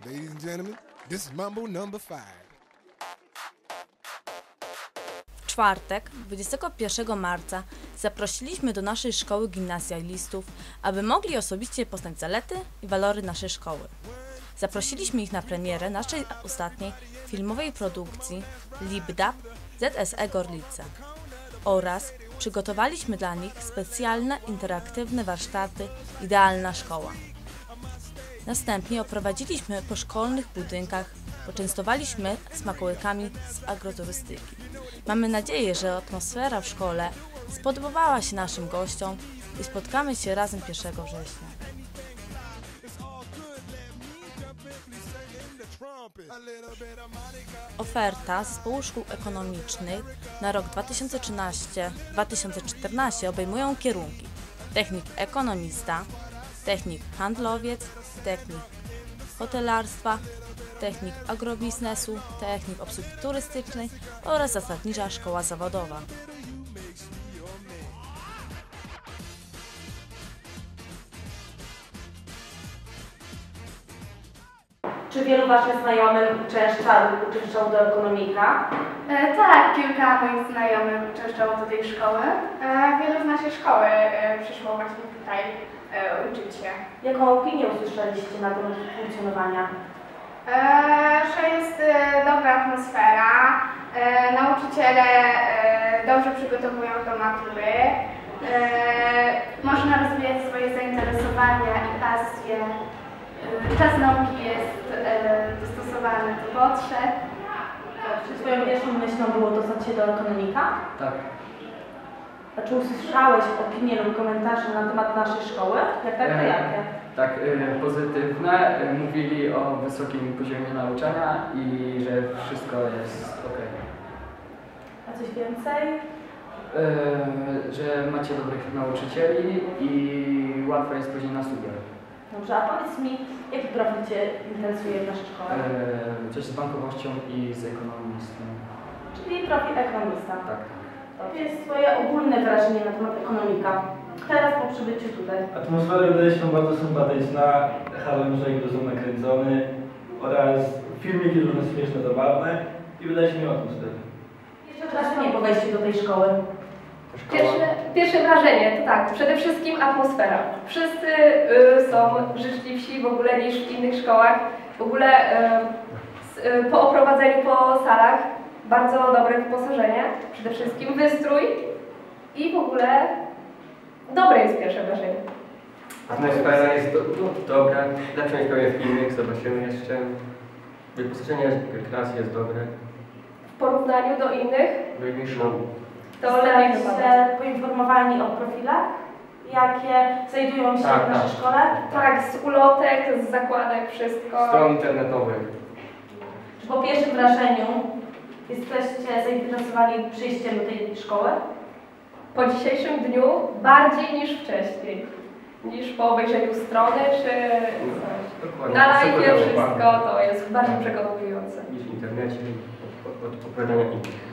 Ladies and gentlemen, this is Mambo number 5. W czwartek, 21 marca, zaprosiliśmy do naszej szkoły gimnazjalistów, aby mogli osobiście poznać zalety i walory naszej szkoły. Zaprosiliśmy ich na premierę naszej ostatniej filmowej produkcji LibDAB ZSE Gorlice oraz przygotowaliśmy dla nich specjalne, interaktywne warsztaty Idealna Szkoła. Następnie oprowadziliśmy po szkolnych budynkach, poczęstowaliśmy smakołykami z agroturystyki. Mamy nadzieję, że atmosfera w szkole spodobała się naszym gościom i spotkamy się razem 1 września. Oferta Zespołu Szkół Ekonomicznych na rok 2013-2014 obejmują kierunki technik ekonomista, technik handlowiec, technik hotelarstwa, technik agrobiznesu, technik obsługi turystycznej oraz zasadnicza szkoła zawodowa. Czy wielu Waszych znajomych uczęszczało do ekonomika? Tak, kilka moich znajomych uczęszczało do tej szkoły. Wielu z naszej szkoły przyszło właśnie tutaj uczyć się. Jaką opinię usłyszeliście na temat funkcjonowania? Że jest dobra atmosfera, nauczyciele dobrze przygotowują do matury, można rozwijać swoje zainteresowania i pasje. Czas nauki jest dostosowany do potrzeb. Czy Twoją pierwszą myślą było dostać się do ekonomika? Tak. A czy usłyszałeś opinie lub komentarze na temat naszej szkoły? Jak tak, to jakie? Tak, pozytywne. Mówili o wysokim poziomie nauczania i że wszystko jest ok. A coś więcej? Że macie dobrych nauczycieli i łatwo jest później na studiach. Dobrze, a powiedz mi, jaki profil Cię interesuje w naszej szkole? Coś z bankowością i z ekonomistą. Czyli profil ekonomista. Tak. To jest Twoje ogólne wrażenie na temat ekonomika, teraz po przybyciu tutaj. Atmosfera wydaje się bardzo sympatyczna, harem dużo nakręcony oraz filmiki różne śmieszne, zabawne i wydaje się mi atmosfera. Jeszcze wrażenie po wejściu do tej szkoły. Pierwsze wrażenie to tak, przede wszystkim atmosfera. Wszyscy są życzliwsi w ogóle niż w innych szkołach. W ogóle po oprowadzeniu po salach bardzo dobre wyposażenie, przede wszystkim wystrój i w ogóle dobre jest pierwsze wrażenie. Atmosfera jest dobra, lepsza niż pewnie w innych, zobaczymy jeszcze. Wyposażenie klas jest dobre. W porównaniu do innych to lepiej Zostaliście poinformowani o profilach, jakie znajdują się w naszej szkole? Tak, z ulotek, z zakładek, wszystko. Stron internetowych. Czy po pierwszym wrażeniu jesteście zainteresowani przyjściem do tej szkoły? Po dzisiejszym dniu bardziej niż wcześniej. Niż po obejrzeniu strony czy coś. Dokładnie. Na live wszystko to jest bardziej przekonujące. Niż w internecie, od opowiadania innych.